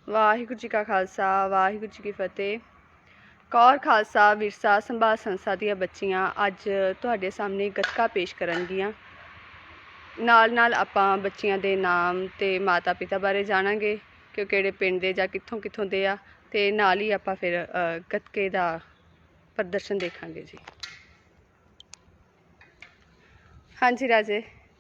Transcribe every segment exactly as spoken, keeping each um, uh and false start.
ਵਾਹਿਗੁਰੂ ਜੀ ਕਾ ਖਾਲਸਾ ਵਾਹਿਗੁਰੂ ਜੀ ਕੀ ਫਤਿਹ। ਕੌਰ ਖਾਲਸਾ ਵਿਰਸਾ ਸੰਭਾਲ ਸੰਸਥਾ ਦੀਆਂ ਬੱਚੀਆਂ ਅੱਜ ਤੁਹਾਡੇ ਸਾਹਮਣੇ ਗੱਤਕਾ ਪੇਸ਼ ਕਰਨਗੀਆਂ। ਨਾਲ ਨਾਲ ਆਪਾਂ ਬੱਚੀਆਂ ਦੇ ਨਾਮ ਤੇ ਮਾਤਾ ਪਿਤਾ ਬਾਰੇ ਜਾਣਾਂਗੇ ਕਿ ਉਹ ਕਿਹੜੇ ਪਿੰਡ ਦੇ ਜਾਂ ਕਿੱਥੋਂ ਕਿੱਥੋਂ ਦੇ ਆ, ਤੇ ਨਾਲ ਹੀ ਆਪਾਂ ਫਿਰ ਗੱਤਕੇ ਦਾ ਪ੍ਰਦਰਸ਼ਨ ਦੇਖਾਂਗੇ ਜੀ। ਹਾਂਜੀ ਰਾਜੇ,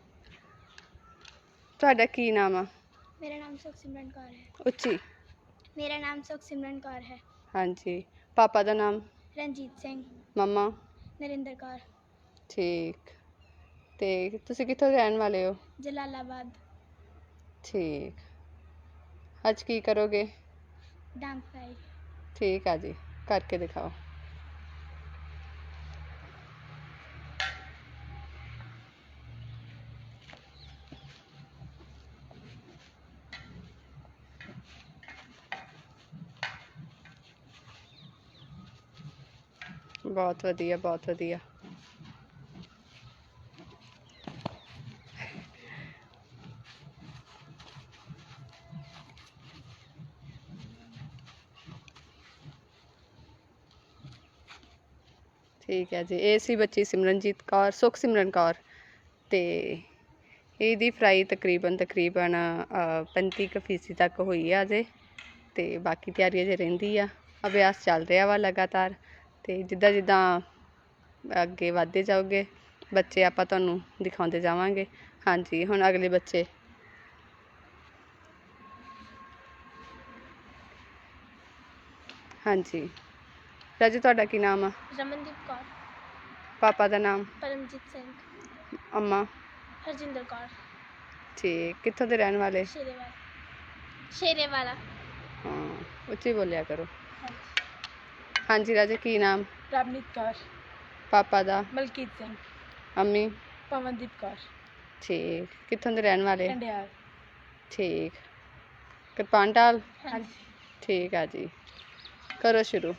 ਤੁਹਾਡਾ ਕੀ ਨਾਮ ਆ? मेरा नाम सुखसिमरन कौर है। ਉੱਚੀ। मेरा नाम सुखसिमरन कौर है। ਹਾਂਜੀ। ਪਾਪਾ ਦਾ ਨਾਮ? रंजीत सिंह। ਮੰਮਾ? नरिंदर कौर। ਠੀਕ। ਤੇ ਤੁਸੀਂ ਕਿੱਥੋਂ ਦੇ ਰਹਿਣ ਵਾਲੇ ਹੋ? जलालाबाद। ਠੀਕ। ਅੱਜ ਕੀ ਕਰੋਗੇ? डांग फ्राई। ठीक है जी, करके दिखाओ। बहुत वधिया, बहुत वधिया। ठीक है जी। ये सी बच्ची सिमरनजीत कौर, सुख सिमरन कौर। तो ਇਹਦੀ ਫਰਾਈ ਤਕਰੀਬਨ ਤਕਰੀਬਨ ਪੈਂਤੀ ਕੁ ਫੀਸਦੀ ਤੱਕ ਹੋਈ ਆ ਅਜੇ, ਤੇ ਬਾਕੀ ਤਿਆਰੀ ਅਜੇ ਰਹਿੰਦੀ ਆ। ਅਭਿਆਸ ਚੱਲ ਰਿਹਾ ਵਾ ਲਗਾਤਾਰ, ਤੇ ਜਿੱਦਾਂ ਜਿੱਦਾਂ ਅੱਗੇ ਵੱਧਦੇ ਜਾਓਗੇ ਬੱਚੇ ਆਪਾਂ ਤੁਹਾਨੂੰ ਦਿਖਾਉਂਦੇ ਜਾਵਾਂਗੇ। ਹਾਂਜੀ, ਹੁਣ ਅਗਲੇ ਬੱਚੇ। ਹਾਂਜੀ ਰਾਜੇ, ਤੁਹਾਡਾ ਕੀ ਨਾਮ ਆ? रमनदीप कौर। पापा ਦਾ ਨਾਮ? परमजीत सिंह। अम्मा? हरजिंदर कौर। ठीक। कित्थों दे रहने वाले? शेरेवाला। शेरेवाला। हाँ, उच्ची बोलिया करो। हाँ जी राजे, की नाम? रवनीत कौर। पापा दा? मलकीत सिंह। अम्मी? पवनदीप कौर। ठीक। कित्थों दे रहने वाले? कंडियाल। ठीक। किरपान ढाल? हाँ जी। ठीक है जी, करो शुरू।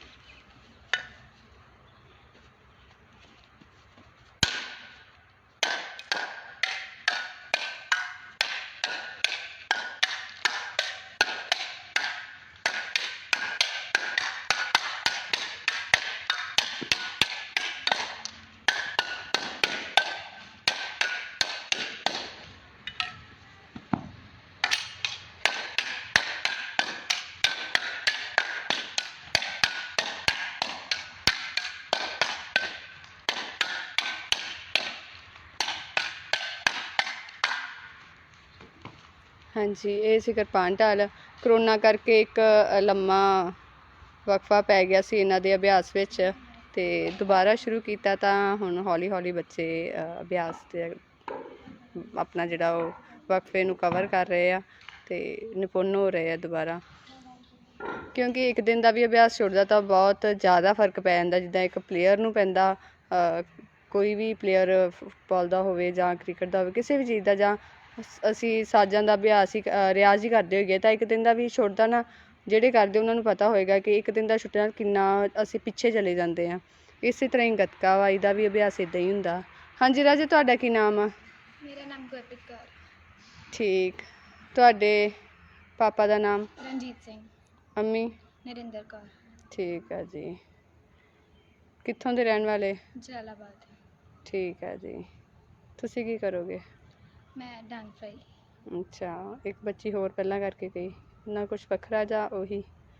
ਹਾਂਜੀ, ਇਹ ਸੀ ਕਿਰਪਾਨ ਢਾਲ। ਕਰੋਨਾ ਕਰਕੇ ਇੱਕ ਲੰਮਾ ਵਕਫਾ ਪੈ ਗਿਆ ਸੀ ਇਹਨਾਂ ਦੇ ਅਭਿਆਸ ਵਿੱਚ, ਤੇ ਦੁਬਾਰਾ ਸ਼ੁਰੂ ਕੀਤਾ ਤਾਂ ਹੁਣ ਹੌਲੀ ਹੌਲੀ ਬੱਚੇ ਅਭਿਆਸ ਤੇ ਆਪਣਾ ਜਿਹੜਾ ਉਹ ਵਕਫੇ ਨੂੰ ਕਵਰ ਕਰ ਰਹੇ ਆ ਤੇ ਨਿਪੁੰਨ ਹੋ ਰਹੇ ਆ ਦੁਬਾਰਾ। ਕਿਉਂਕਿ ਇੱਕ ਦਿਨ ਦਾ ਵੀ ਅਭਿਆਸ ਛੁੱਟਦਾ ਤਾਂ ਬਹੁਤ ਜ਼ਿਆਦਾ ਫਰਕ ਪੈ ਜਾਂਦਾ, ਜਿੱਦਾਂ ਇੱਕ ਪਲੇਅਰ ਨੂੰ ਪੈਂਦਾ, ਕੋਈ ਵੀ ਪਲੇਅਰ ਫੁੱਟਬਾਲ ਦਾ ਹੋਵੇ ਜਾਂ ਕ੍ਰਿਕਟ ਦਾ ਹੋਵੇ, ਕਿਸੇ ਵੀ ਚੀਜ਼ ਦਾ, ਜਾਂ ਅਸੀਂ ਸਾਜ਼ਾਂ ਦਾ ਅਭਿਆਸ ਹੀ ਰਿਆਜ਼ ਹੀ ਕਰਦੇ ਹੋਈਏ ਤਾਂ ਇੱਕ ਦਿਨ ਦਾ ਵੀ ਛੁੱਟਦਾ ਨਾ, ਜਿਹੜੇ ਕਰਦੇ ਉਹਨਾਂ ਨੂੰ ਪਤਾ ਹੋਏਗਾ ਕਿ ਇੱਕ ਦਿਨ ਦਾ ਛੁੱਟਣ ਨਾਲ ਕਿੰਨਾ ਅਸੀਂ ਪਿੱਛੇ ਚਲੇ ਜਾਂਦੇ ਹਾਂ। ਇਸੇ ਤਰ੍ਹਾਂ ਹੀ ਗੱਤਕਾ ਵਾ, ਇਹਦਾ ਵੀ ਅਭਿਆਸ ਇੱਦਾਂ ਹੀ ਹੁੰਦਾ। ਹਾਂਜੀ ਰਾਜੇ, ਤੁਹਾਡਾ ਕੀ ਨਾਮ ਆ? मेरा नाम गुरप्रीत कौर। ਠੀਕ। ਤੁਹਾਡੇ ਪਾਪਾ ਦਾ ਨਾਮ? रंजीत सिंह। ਅੰਮੀ? नरिंदर कौर। ਠੀਕ ਹੈ ਜੀ। ਕਿੱਥੋਂ ਦੇ ਰਹਿਣ ਵਾਲੇ? जलालाबाद। ਠੀਕ ਹੈ ਜੀ। ਤੁਸੀਂ ਕੀ ਕਰੋਗੇ? मैं डांग फ्राई। ਅੱਛਾ, ਇੱਕ ਬੱਚੀ ਹੋਰ ਪਹਿਲਾਂ ਕਰਕੇ ਗਈ ਨਾ, ਕੁਛ ਵੱਖਰਾ ਜਾਂ ਉਹੀ?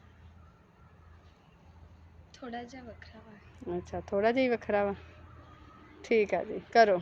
थोड़ा जा वखरा वा। ਅੱਛਾ, ਥੋੜ੍ਹਾ ਜਿਹਾ ਹੀ ਵੱਖਰਾ ਵਾ। ਠੀਕ ਆ ਜੀ, ਕਰੋ।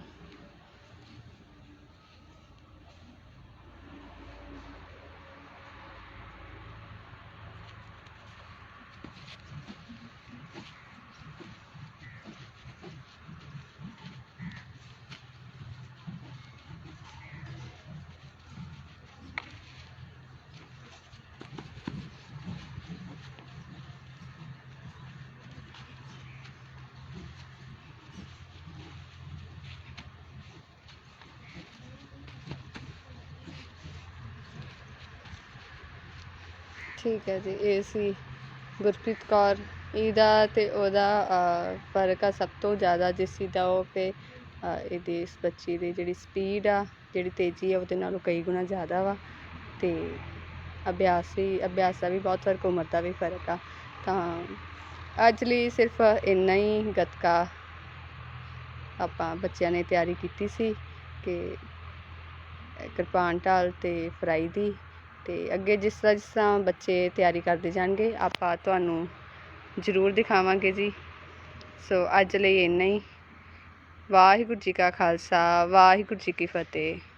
ਠੀਕ ਹੈ ਜੀ। ਇਹ ਸੀ ਗੁਰਪ੍ਰੀਤ ਕੌਰ। ਇਹਦਾ ਤੇ ਉਹਦਾ ਫਰਕ ਆ ਸਭ ਤੋਂ ਜ਼ਿਆਦਾ ਜਿਸ ਚੀਜ਼ ਦਾ, ਉਹ ਕਿ ਇਹਦੀ ਇਸ ਬੱਚੀ ਦੀ ਜਿਹੜੀ ਸਪੀਡ ਆ, ਜਿਹੜੀ ਤੇਜ਼ੀ ਆ, ਉਹਦੇ ਨਾਲੋਂ ਕਈ ਗੁਣਾ ਜ਼ਿਆਦਾ ਵਾ। ਤੇ ਅਭਿਆਸ ਵੀ ਅਭਿਆਸ ਦਾ ਵੀ ਬਹੁਤ ਫਰਕ, ਉਮਰ ਦਾ ਵੀ ਫਰਕ ਆ। ਤਾਂ ਅੱਜ ਲਈ ਸਿਰਫ ਇੰਨਾ ਹੀ ਗੱਤਕਾ ਆਪਾਂ ਬੱਚਿਆਂ ਨੇ ਤਿਆਰੀ ਕੀਤੀ ਸੀ ਕਿ ਕਿਰਪਾਨ ਢਾਲ ਅਤੇ ਫਰਾਈ ਦੀ। ਅਤੇ ਅੱਗੇ ਜਿਸ ਤਰ੍ਹਾਂ ਜਿਸ ਤਰ੍ਹਾਂ ਬੱਚੇ ਤਿਆਰੀ ਕਰਦੇ ਜਾਣਗੇ ਆਪਾਂ ਤੁਹਾਨੂੰ ਜ਼ਰੂਰ ਦਿਖਾਵਾਂਗੇ ਜੀ। ਸੋ ਅੱਜ ਲਈ ਇੰਨਾ ਹੀ। ਵਾਹਿਗੁਰੂ ਜੀ ਕਾ ਖਾਲਸਾ, ਵਾਹਿਗੁਰੂ ਜੀ ਕੀ ਫਤਿਹ।